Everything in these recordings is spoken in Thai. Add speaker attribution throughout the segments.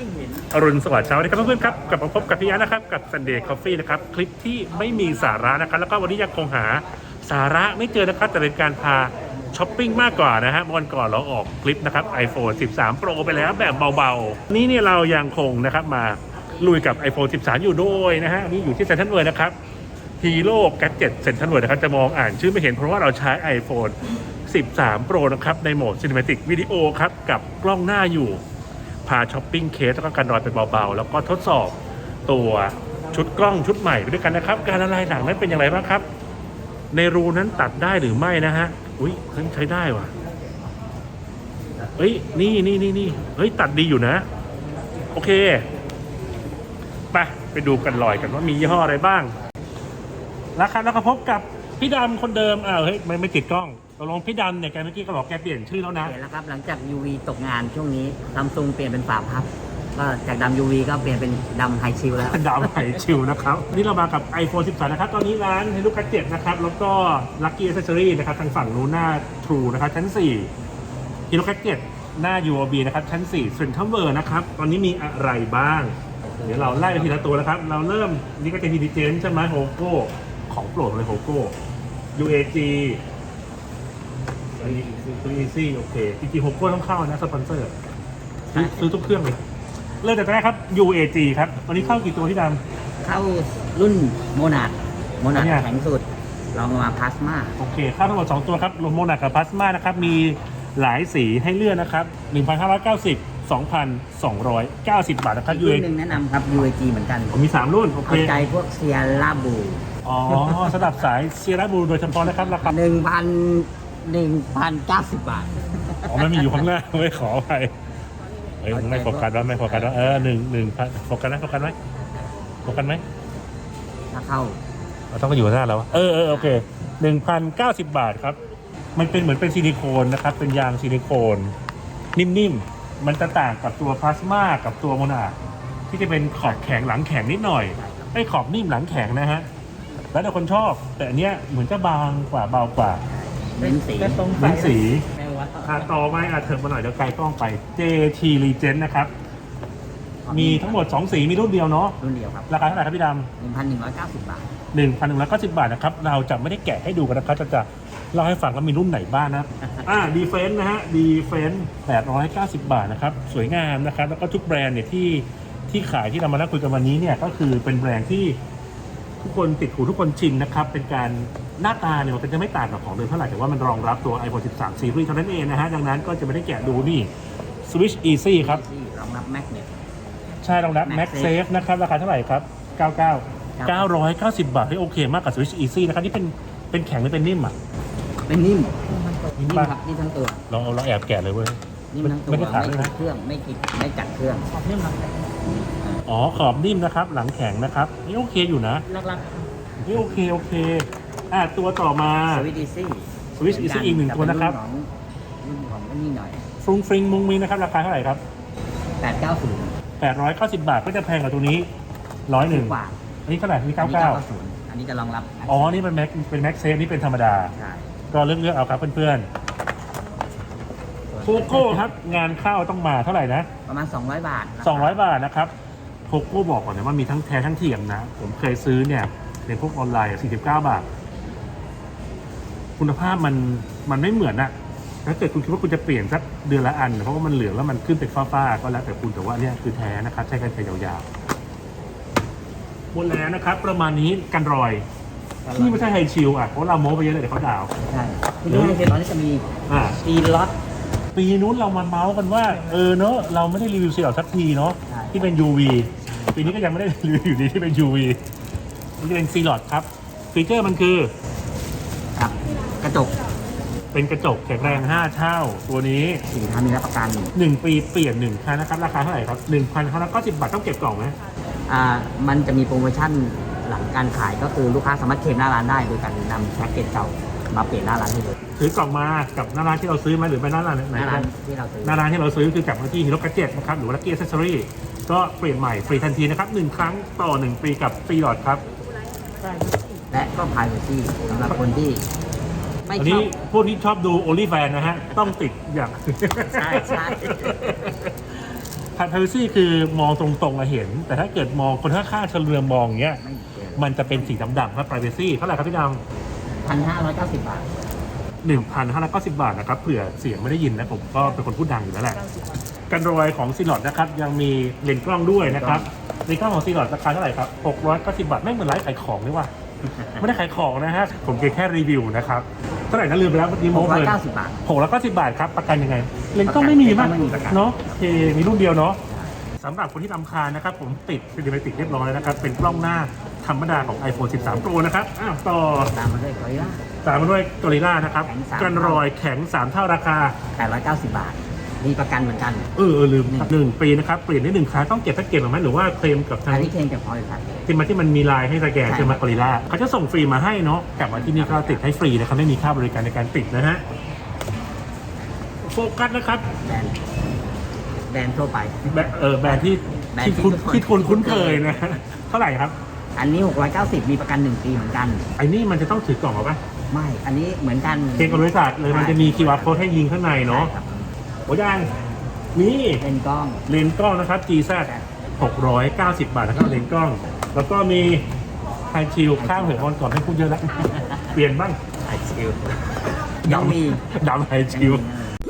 Speaker 1: อรุณสวัสดิ์เช้าวันนี้ครับเพื่อนๆครับกลับมาพบกับพี่ยะนะครับกับ Sunday Coffee นะครับคลิปที่ไม่มีสาระนะครับแล้วก็วันนี้ยังคงหาสาระไม่เจอนะครับแต่เป็นการพาช้อปปิ้งมากกว่านะฮะวันก่อนเราออกคลิปนะครับ iPhone 13 Pro ไปแล้วแบบเบาๆนี่เนี่ยเรายังคงนะครับมาลุยกับ iPhone 13 อยู่ด้วยนะฮะนี่อยู่ที่เซ็นทรัลเวิลด์นะครับ Hero Gadget เซ็นทรัลเวิลด์นะครับจะมองอ่านชื่อไม่เห็นเพราะว่าเราใช้ iPhone 13 Pro นะครับในโหมด Cinematic Video ครับกับกล้องหน้าอยู่พาช้อปปิ้งเคสแล้วก็การนอนเป็นเบาๆแล้วก็ทดสอบตัวชุดกล้องชุดใหม่ไปด้วยกันนะครับการละลายหนังนั้นเป็นอย่างไรบ้างครับในรูนั้นตัดได้หรือไม่นะฮะอุ้ยใช้ได้ว่ะเฮ้ยนี่เฮ้ยตัดดีอยู่นะโอเคไปดูกันลอยกันว่ามียี่ห้ออะไรบ้างแล้วครับแล้วก็พบกับพี่ดำคนเดิมเฮ้ยไม่ติดกล้องตกลงพี่ดำเนี่ยแกเมื่อกี้ก็บอกแกเปลี่ยนชื่อแล้วนะ
Speaker 2: เปลี่ยนแล้วครับหลังจาก UV ตกงานช่วงนี้ซัมซุงเปลี่ยนเป็นฝาพับก็จากดำ UV ก็เปลี่ยนเป็นดำไฮชิลแล้ว
Speaker 1: ดำไฮชิลนะครับนี่เรามากับ iPhone 13 นะครับตอนนี้ร้าน Hero Gadget นะครับแล้วก็ Lucky Accessory นะครับทางฝั่งนู้นหน้า True นะครับชั้น4 Hero Gadget หน้า UOB นะครับชั้น4 Central World นะครับตอนนี้มีอะไรบ้างเดี๋ยวเราไล่ไปทีละตัวนะครับเราเริ่มนี่ก็จะ Intelligent ใช่ไหมโฮโก้ของโปรดเลยโฮโก้ UAG Easy โอเคจริงๆโฮโก้ต้องเข้านะสปอนเซอร์ซื้อทุกเครื่องเลยเริ่มจากแรกครับ UAG ครับวันนี้เข้ากี่ตัวที่ดำ
Speaker 2: เข้ารุ่นโมนาด
Speaker 1: เนี่ย
Speaker 2: แข็งสุดลองมาพลาสมา
Speaker 1: โอเคเข้าทั้งหมด2ตัวครับรวมโมนากับพลาสมานะครับมีหลายสีให้เลือกนะครับ 1,590 2,290 บาทนะครับ
Speaker 2: รุ่นหนึ่งแนะนำครับ UAG เหมือนกัน
Speaker 1: มี3รุ่นโอเค
Speaker 2: เอาใจพวกเซียร่าบู
Speaker 1: อ๋อสำหรับสายเซียร่าบูโดยเฉพาะนะครับราคา
Speaker 2: 1,090 บาท
Speaker 1: อ๋อมันมีอยู่ข้างหน้าไม่ขอไปไม่โฟกัสว่า1,000โฟกัสไหม
Speaker 2: ถ้าเข้า
Speaker 1: เราต้องมาอยู่หน้าแล้วโอเค 1,090 บาทครับมันเป็นเหมือนเป็นซิลิโคนนะครับเป็นยางซิลิโคนนิ่มๆมันจะต่างกับตัวพลาสมากับตัวโมนาที่จะเป็นขอบแข็งหลังแข็งนิดหน่อยขอบนิ่มหลังแข็งนะฮะแล้วแต่คนชอบแต่อันเนี้ยเหมือนจะบางกว่าเบากว่า
Speaker 2: เน้น
Speaker 1: สีต่อมาเถิบมาหน่อยเดี๋ยวไกลกล้องไป JT Legend นะครับมีทั้งหมด2สีมีรุ่นเดียวเนาะ
Speaker 2: รุ่นเดียวครับ
Speaker 1: ราคาเท่าไหร่ครับพี่ด
Speaker 2: ำ1,190 บาท
Speaker 1: 1,190 บาทนะครับเราจะไม่ได้แกะให้ดูกันนะครับจะเล่าให้ฟังว่ามีรุ่นไหนบ้างนะDefense นะฮะ Defense 890 บาทนะครับสวยงามนะครับแล้วก็ทุกแบรนด์เนี่ยที่ขายที่เรามานั่งคุยกันวันนี้เนี่ยก็คือเป็นแบรนด์ที่ทุกคนติดหูทุกคนชินนะครับเป็นการหน้าตาเนี่ยมันจะไม่ต่างกับของเดิมเท่าไหร่แต่ว่ามันรองรับตัว iPhone 13 Series เท่านั้นเองนะฮะดังนั้นก็จะไม่ได้แกะดูนี่ Switch Easy ครับ
Speaker 2: รองรับ Magnet
Speaker 1: ใช่รองรับ MagSafe นะครับราคาเท่าไหร่ครับ990 บาทที่โอเคมากกับ Switch Easy นะครับที่เป็นแข็งหรือเป็นนิ่ม
Speaker 2: เป็นนิ่มครับนิ่มทั้งตัว
Speaker 1: เราแอบแกะเลยเว้ย
Speaker 2: นิ่มทั้งตัวไม่ขัดเครื่องไม่กัดเครื่องนิ่มครับ
Speaker 1: อ๋อขอบนิ่มนะครับหลังแข็งนะครับนี่โอเคอยู่นะ
Speaker 2: รัก
Speaker 1: นี่โอเคตัวต่อมา Switch Easy อีก1ตัวนะครับ
Speaker 2: รุ่นของนี่หน่อย
Speaker 1: ฟรุ้งฟริ้งมุ้งมิ้งนะครับราคาเท่าไหร่ครับ
Speaker 2: 890
Speaker 1: บาทก็จะแพงกว่าตัวนี้101
Speaker 2: บาท
Speaker 1: อันนี้เท่าไหร่นี่
Speaker 2: 990อันนี้จะรองรับ
Speaker 1: นี่เป็น MagSafe นี่เป็นธรรมดาก็เลือกเอาครับเพื่อนๆโคโก้ครับงานเข้าต้องมาเท่าไหร่นะ
Speaker 2: ประมาณ200 บาท
Speaker 1: 200 บาทนะครับโคโก้บอกก่อนนะว่ามีทั้งแท้ทั้งเทียมนะผมเคยซื้อเนี่ยในพวกออนไลน์49 บาทคุณภาพมันไม่เหมือนอะถ้าเกิดคุณคิดว่าคุณจะเปลี่ยนสักเดือนละอันเพราะว่ามันเหลืองแล้วมันขึ้นเป็นฟ้าๆก็แล้วแต่คุณแต่ว่าเนี่ยคือแท้นะครับใช้กันไปยาวๆหมดแล้วนะครับประมาณนี้กันรอยที่ไม่ใช่ไฮชิลเพราะเราโม้ไปเยอะเลยเดี๋ยวเขาด่า
Speaker 2: ใช่ที่นี่ไฮชิลตอนนี้จะมีซีล็อต
Speaker 1: ปีนู้นเรามาเมาส์กันว่าเนอะเราไม่ได้รีวิวซีล็อตสักทีเนาะที่เป็น UV ปีนี้ก็ยังไม่ได้รีวิวอยู่ดีที่เป็น UV นี่จะเป็นซีล็อตครับฟีเจอร์มันคือ
Speaker 2: ครับกระจก
Speaker 1: เป็นกระจกแข็งแรง5 เท่าตัวนี้
Speaker 2: 4 ท่านมีรับประกัน
Speaker 1: 1 ปีเปลี่ยน1 ครั้งนะครับราคาเท่าไหร่ครับ 1,590 บาทต้องเก็บกล่องไหม
Speaker 2: มันจะมีโปรโมชั่นหลังการขายก็คือลูกค้าสามารถเคลมหน้าร้านได้โดยการนำแพ็กเกจเก่ามาเปลี่ยนหน้าร้านให้เลย
Speaker 1: ถือกล่องมากับหน้าร้านที่เราซื้อไหมหรือไปหน้าร้านไหน
Speaker 2: ที่เราซื้อ
Speaker 1: หน้าร้านที่เราซื้อคือกลับมาที่ Hero Gadget นะครับหรือว่า Lucky Accessory ก็เปลี่ยนใหม่ฟรีทันทีนะครับ1 ครั้งต่อ1 ปีกับฟรีหลอดครับ
Speaker 2: และก็ Privacy สำหรับคนที่ไม่ชอบ
Speaker 1: พวกที่ชอบดู OnlyFans นะฮะต้องติดอย่าง
Speaker 2: ใช่
Speaker 1: privacy คือมองตรงๆอะเห็น แต่ถ้าเกิดมองคนข้างๆเฉลือมองอย่างเงี้ย
Speaker 2: ไม่เกิน
Speaker 1: มันจะเป็นสีดำๆครับ privacy เท่าไหร่ครับพี่ด
Speaker 2: 1,590 บาท
Speaker 1: ำ 1,590 บาทนะครับเผื่อเสียงไม่ได้ยินนะผมก็เป็นคนพูดดังอยู่แล้วแหละกันรอยของซีลอดนะครับยังมีเลนส์กล้องด้วยนะครับเลนส์กล้องของซีลอดราคาเท่าไหร่ครับ690 บาทไม่เหมือนร้านขายของเลยว่ะ ไม่ได้ขายของนะฮะผมแค่รีวิวนะครับเท่าไหร่นะลืมไปแล้วเมื่อกี้โม้เพลิน
Speaker 2: 690 บาท
Speaker 1: 690 บาทครับประกันยังไงเลนส์กล้องไม่มีมั้ย
Speaker 2: ไม่มีประกัน
Speaker 1: เนาะโอเคมีรุ่นเดียวเนาะสำหรับคนที่รำคาญนะครับผมติดซินิเมติกเรียบร้อยแล้วนะครับเป็นกล้องหน้าธรรมดาของ iPhone 13 Pro นะครับต่อ
Speaker 2: ตามมาด้วยกอริลล่า
Speaker 1: ตามมาด้วยกอริลล่านะครับ
Speaker 2: แข็ง3
Speaker 1: กันรอยแข็ง 3 เท่าราคา
Speaker 2: 890 บาท มีประกันเหมือนกัน
Speaker 1: ลืม1 ปีนะครับเปลี่ยนได้1ครั้งต้องเก็บแพ็กเกจหรือไม่หรือว่าเคลมกับทา
Speaker 2: อั
Speaker 1: ง
Speaker 2: นนี้เคลมจากบริษัทเลย
Speaker 1: ที่มันมีไลน์ให้สแกน
Speaker 2: ใช่
Speaker 1: ใช่ไหมกอริลล่าเขาจะส่งฟรีมาให้เนาะกลับมาที่นี่ก็ติดให้ฟรีนะครับไม่มีค่าบริการในการติดนะฮะโฟกัสนะครับ
Speaker 2: แบรนด์ทั่วไป
Speaker 1: แบรนด์ที่
Speaker 2: แบรนด์ที่
Speaker 1: ที่คุณคุ้นเคยนะเท่าไหร่ครับ
Speaker 2: อันนี้ 690 มีประกัน 1 ปีเหมือนกัน
Speaker 1: ไอ้นี่มันจะต้องถือกล่องเหรอปะ
Speaker 2: ไม่ อันนี้เหมือนกัน
Speaker 1: เช็คกับบริษัทเลยมันจะมี QR code ให้ยิงข้างในเนาะ
Speaker 2: ใช่ครับ
Speaker 1: โอ้ยังนี่
Speaker 2: เป็นกล้อง
Speaker 1: เลนส์กล้องนะครับ GZ 690 บาทนะครับเลนส์กล้อง แล้วก็มีไฮชิลข้างหัวก่อนให้พูดเยอะแล้ว เปลี่ยนบ้าง
Speaker 2: ไอชิลยังมี
Speaker 1: ดำไฮชิล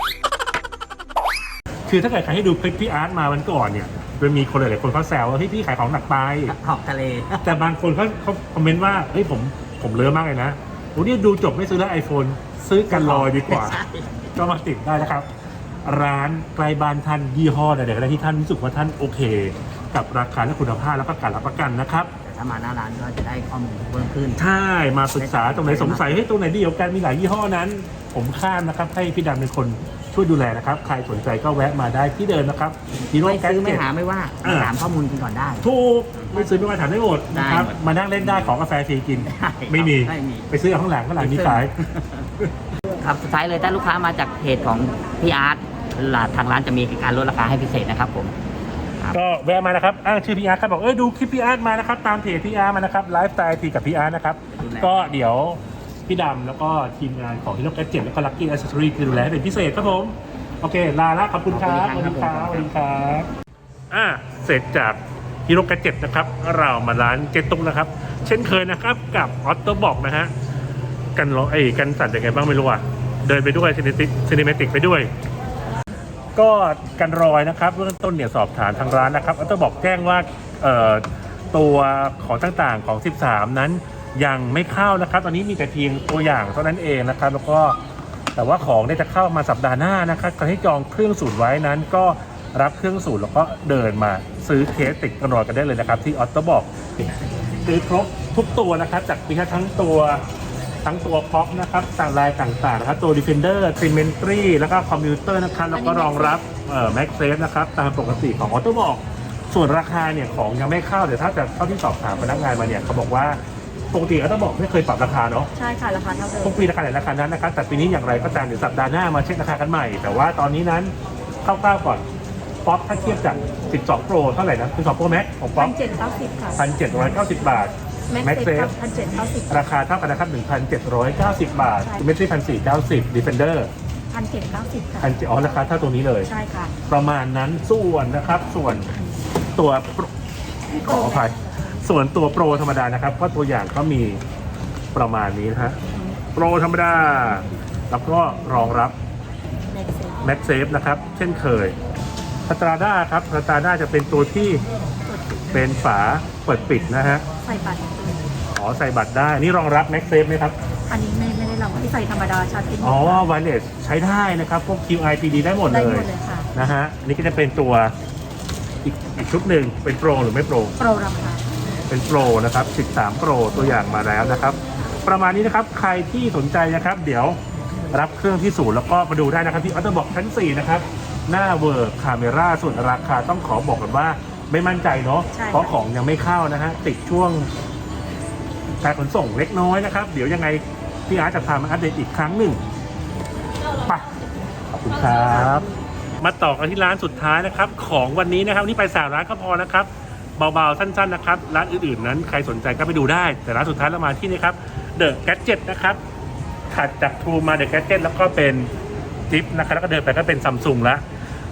Speaker 1: คือถ้าเกิดใครให้ดูคลิปพี่อาร์ตมาวันก่อนเนี่ยมันมีคนหลายๆคนเขาแซวว่าเฮ้ยพี่ขายของหนักไป
Speaker 2: ขอบทะเล
Speaker 1: แต่บางคนเขาคอมเมนต์ว่าเฮ้ยผมเลอะมากเลยนะโอ้นี่ดูจบไม่ซื้อแล้ว iPhone ซื้อกันลอยดีกว่า
Speaker 2: ใช่
Speaker 1: ก็มาติดได้นะครับ ร้านไกลบ้านท่านยี่ห้อใดๆก็ได้ที่ท่านรู้สึกว่าท่านโอเค กับราคาและคุณภาพแล้วก็การรับประกันนะครับ
Speaker 2: แต่ถ้ามาหน้าร้านก็จะได้ข้อมูลเพิ่มขึ้น
Speaker 1: ใช่มาศึกษาตรงไหนสงสัยให้ยตรงไหนดีกว่ากันมีหลายยี่ห้อนั้น ผมข้ามนะครับให้พี่ดำเป็นคนช่วยดูแลนะครับ ใครสนใจก็แวะมาได้ที่เดิมนะครับฮีโร่
Speaker 2: ไม่
Speaker 1: แก๊ส
Speaker 2: ซื้อไม่
Speaker 1: เจ็ต
Speaker 2: หาไม่ว่า
Speaker 1: อ่า
Speaker 2: ถามข้อมูลกันก่อนได้
Speaker 1: ถูกไม่ซื้อไม่มาถามได้หมดนะครับ
Speaker 2: ได้หมด
Speaker 1: มานั่งเล่นได้ของกาแฟฟรีกิน
Speaker 2: ได้ครับ
Speaker 1: ไม่มี
Speaker 2: ไม่มี
Speaker 1: ไปซื้อเอาข้างหลังมีขาย
Speaker 2: ครับสุดท้ายเลยถ้าลูกค้ามาจากเพจของพี่อาร์ตทางร้านจะมีการลดราคาให้พิเศษนะครับผม
Speaker 1: ก็แวะมานะครับอ้างชื่อพี่อาร์ตครับบอกดูคลิปพี่อาร์ตมานะครับตามเพจพี่อาร์ตมานะครับไลฟ์สไตล์ทีกับพี่อาร์ตนะครับก็เดี๋ยวพี่ดำแล้วก็ทีมงานของฮิโร่แกจ็ตแล้วก็ลัคกี้แอสเซสซอรี่คือดูแลให้เป็นพิเศษครับผมโอเคลาละขอบคุณครับสวัสดีครับสวัสดีครับเสร็จจากฮิโร่แกจ็ตนะครับเรามาร้านเจตุงนะครับเช่นเคยนะครับกับออตโตบอกนะฮะกันกันสั่นยังไงบ้างไม่รู้อ่ะเดินไปด้วยซินิเมติกไปด้วย ก็กันรอยนะครับเบื้องต้นเนี่ยสอบถามทางร้านนะครับก็ต้องบอกแจ้งว่าตัวของต่างๆของ 13 นั้นยังไม่เข้านะครับตอนนี้มีแต่เพียงตัวอย่างเท่านั้นเองนะครับแล้วก็แต่ว่าของเนี่ยจะเข้ามาสัปดาห์หน้านะครับใครที่จองเครื่องสูตรไว้นั้นก็รับเครื่องสูตรแล้วก็เดินมาซื้อเคสติดกันรอยกันได้เลยนะครับที่ออตโตบอกซื้อครบทุกตัวนะครับจากมีทั้งตัวพ็อปนะครับต่างลายต่างๆนะครับตัว Defender Symmetry แล้วก็คอมพิวเตอร์นะครับแล้วก็รองรับMagSafe นะครับตามปกติของออโต้บอกส่วนราคาเนี่ยของยังไม่เข้าเดี๋ยวถ้าจะเข้าที่สอบถามพนักงานมาเนี่ยเขาบอกว่าปกติออโต้บอกไม่เคยปรับราคาเนาะ
Speaker 3: ใช่ค่ะ ราคาเท่าเดิม
Speaker 1: ทุกปีราคาไหนราคานั้นนะครับแต่ปีนี้อย่างไรก็ตามเดี๋ยวสัปดาห์หน้ามาเช็คราคากันใหม่แต่ว่าตอนนี้นั้นคร่าวๆก่อนป๊อปถ้าเทียบจาก12 Pro เท่าไหร่นะ12 Pro Max ของป๊อป
Speaker 3: 1,790 ค่ะ
Speaker 1: 1,790 บาท
Speaker 3: แม็กเซฟ1,790
Speaker 1: ราคาเท่ากันนะครับ 1,790 บาท
Speaker 3: ใช่
Speaker 1: เมตร1,490 Defender
Speaker 3: 1,790 ค่ะ
Speaker 1: 1,700ราคาเท่าตรงนี้เลย
Speaker 3: ใช่ค่ะ
Speaker 1: ประมาณนั้นส่วนนะครับส่วนตัวขออภัยส่วนตัวโปรธรรมดานะครับก็ตัวอย่างก็มีประมาณนี้นะฮะโปรธรรมดา แล้วก็รองรับ
Speaker 3: แม็กเซฟ
Speaker 1: MagSafe นะครับ เช่นเคยสตราด้าครับสตราด้าจะเป็นตัวที่เป็นฝาเปิดปิดนะฮะ
Speaker 3: ใส่บัตร
Speaker 1: ใส่บัตรได้นี่รองรับ MagSafe ไหมครับ
Speaker 3: อันนี้ไม่ได้ลองที่ใส่ธรรมดาชาร์จติด
Speaker 1: wireless ใช้ได้นะครับพวก QI PD ได้หมด
Speaker 3: ได้
Speaker 1: เล
Speaker 3: หม
Speaker 1: ย
Speaker 3: ดเลยค่ะ
Speaker 1: นะฮะอันนี่ก็จะเป็นตัวอีกชุดหนึ่งเป็นโปรหรือไม่โปร
Speaker 3: โปรราคา
Speaker 1: เป็นโปรนะครับ13โปรตัวอย่างมาแล้วนะครับประมาณนี้นะครับใครที่สนใจนะครับเดี๋ยวรับเครื่องที่ศูนย์แล้วก็มาดูได้นะครับที่ออโต้บอกชั้น4นะครับหน้าเวิร์กคาเมราส่วนราคาต้องขอบอกกันว่าไม่มั่นใจเนาะเพราะของยังไม่เข้านะฮะติดช่วงการขนส่งเล็กน้อยนะครับเดี๋ยวยังไงพี่อาร์ตจะพามาอัปเดตอีกครั้งหนึ่งไปขอบคุณครับมาต่อกันที่ร้านสุดท้ายนะครับของวันนี้นะครับนี่ไป3ร้านก็พอนะครับเบาๆสั้นๆนะครับร้านอื่นๆนั้นใครสนใจก็ไปดูได้แต่ร้านสุดท้ายเรามาที่นี่ครับ The Gadget นะครับถัดจาก True มา The Gadget แล้วก็เป็นจิ๊บนะครับแล้วก็เดินไปก็เป็น Samsung ละ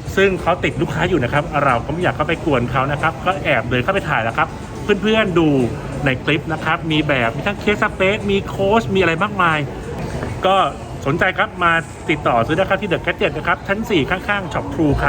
Speaker 1: ซึ่งเขาติดลูกค้าอยู่นะครับเราก็ไม่อยากเข้าไปกวนเขานะครับก็แอบเดินเข้าไปถ่ายแล้วครับเพื่อนๆดูในคลิปนะครับมีแบบมีทั้งเคสสเปซมีโค้ชมีอะไรมากมายก็สนใจครับมาติดต่อซื้อได้ครับที่เดอะแกดเจ็ตนะครับชั้น 4 ข้างๆช็อปทรูครับ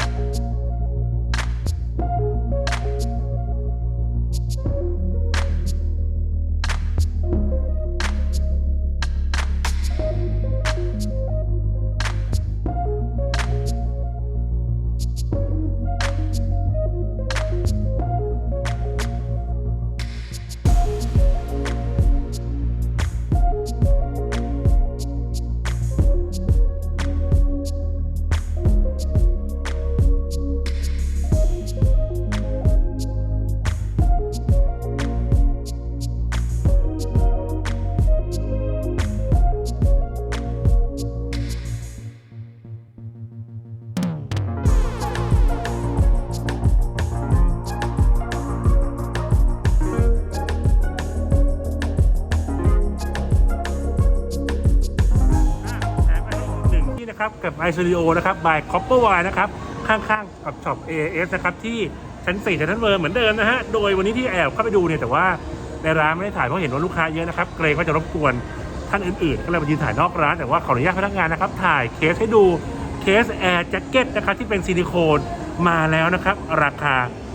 Speaker 1: ครับกับ iStudio นะครับ by Copperwire นะครับข้างๆกับช็อป AAS นะครับที่ชั้น 4 ชั้นเวิร์เหมือนเดิมนะฮะโดยวันนี้ที่แอบเข้าไปดูเนี่ยแต่ว่าในร้านไม่ได้ถ่ายเพราะเห็นว่าลูกค้าเยอะนะครับเกรงว่าจะรบกวนท่านอื่นๆก็เลยมายืนถ่ายนอกร้านแต่ว่าขออนุญาตพนักงานนะครับถ่ายเคสให้ดูเคสแอร์แจ็คเก็ตนะครับที่เป็นซิลิโคนมาแล้วนะครับราคา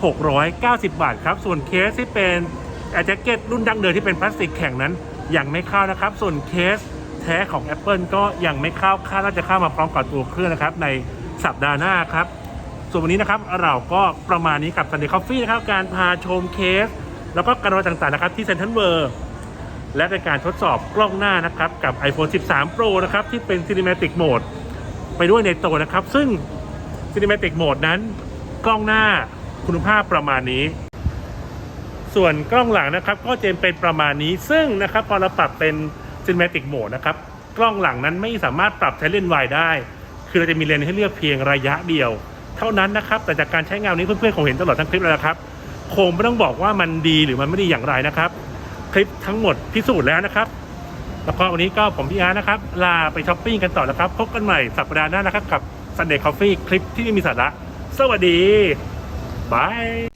Speaker 1: 690 บาทครับส่วนเคสที่เป็นแอร์แจ็คเก็ตรุ่นดั้งเดิมที่เป็นพลาสติกแข็งนั้นยังไม่เข้านะครับส่วนเคสแท้ของ Apple ก็ยังไม่เข้าคาดว่าจะเข้ามาพร้อมกับตัวเครื่องนะครับในสัปดาห์หน้าครับส่วนวันนี้นะครับเราก็ประมาณนี้กับ Sunday Coffee นะครับการพาชมเคสแล้วก็การต่างๆนะครับที่ Central World และเป็นการทดสอบกล้องหน้านะครับกับ iPhone 13 Pro นะครับที่เป็น Cinematic Mode ไปด้วยในตัวนะครับซึ่ง Cinematic Mode นั้นกล้องหน้าคุณภาพประมาณนี้ส่วนกล้องหลังนะครับก็จะเป็นประมาณนี้ซึ่งนะครับพอเราปรับเป็นCinematic Mode นะครับกล้องหลังนั้นไม่สามารถปรับใช้เลนส์วายได้คือเราจะมีเลนส์ให้เลือกเพียงระยะเดียวเท่านั้นนะครับแต่จากการใช้งานนี้เพื่อนๆคงเห็นตลอดทั้งคลิปแล้วนะครับคงไม่ต้องบอกว่ามันดีหรือมันไม่ดีอย่างไรนะครับคลิปทั้งหมดพิสูจน์แล้วนะครับแล้วก็วันนี้ก็ผมพี่อาร์นะครับลาไปช้อปปิ้งกันต่อแล้วครับพบกันใหม่สัปดาห์หน้านะครับกับ Sunday Coffee คลิปที่ไม่มีสาระสวัสดีบาย